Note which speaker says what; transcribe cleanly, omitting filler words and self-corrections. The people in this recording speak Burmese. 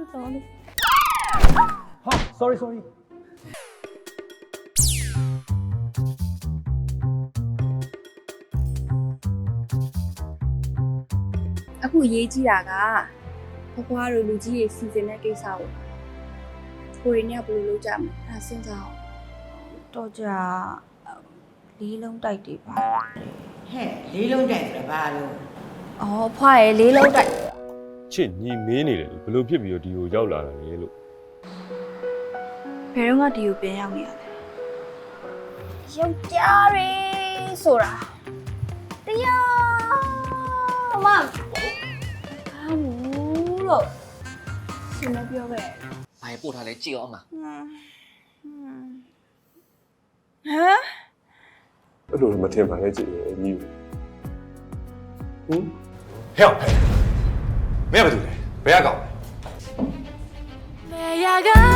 Speaker 1: sorry
Speaker 2: ဟာ sorry
Speaker 1: အခုရေးကြည့်တာကဘွားတို့လူကြီးတွေစီစဉ်တဲ့ကိစ္စကိုကိုရင်းကဘယ်လိုလုပ်ကြမလဲအဲစဉ်းစားအောင်
Speaker 3: တော့ကြာလေးလုံးတိုက်တွေပါ
Speaker 4: ဟဲ့လေးလုံးတိုက်ဆိုတာဘာလို့
Speaker 1: အော်ဖွားရဲ့လေးလုံးတိုက်
Speaker 5: ချစ်ညီမင်းနေတယ်ဘယ်လိုဖြစ်ပြီးတော့ဒီကိုရောက်လာတာလဲလို့
Speaker 1: ဘယ်တော့မှဒီကိုပြန်ရောက်နေရလဲယောက်ျားတွေဆိုတာတရားမဟာဘူးလို့ရှင်မပြောပဲ
Speaker 6: ဘာပို့ထားလဲကြည့်အောင်မ
Speaker 1: ဟမ်
Speaker 5: အဲ့လိုမထင်ပါနဲ့ကြည့်တယ်ညီဟင်
Speaker 7: ဟဲ့မင်းကဘာလုပ်လဲဘယ်ကကောင်းလဲ
Speaker 1: မေယာက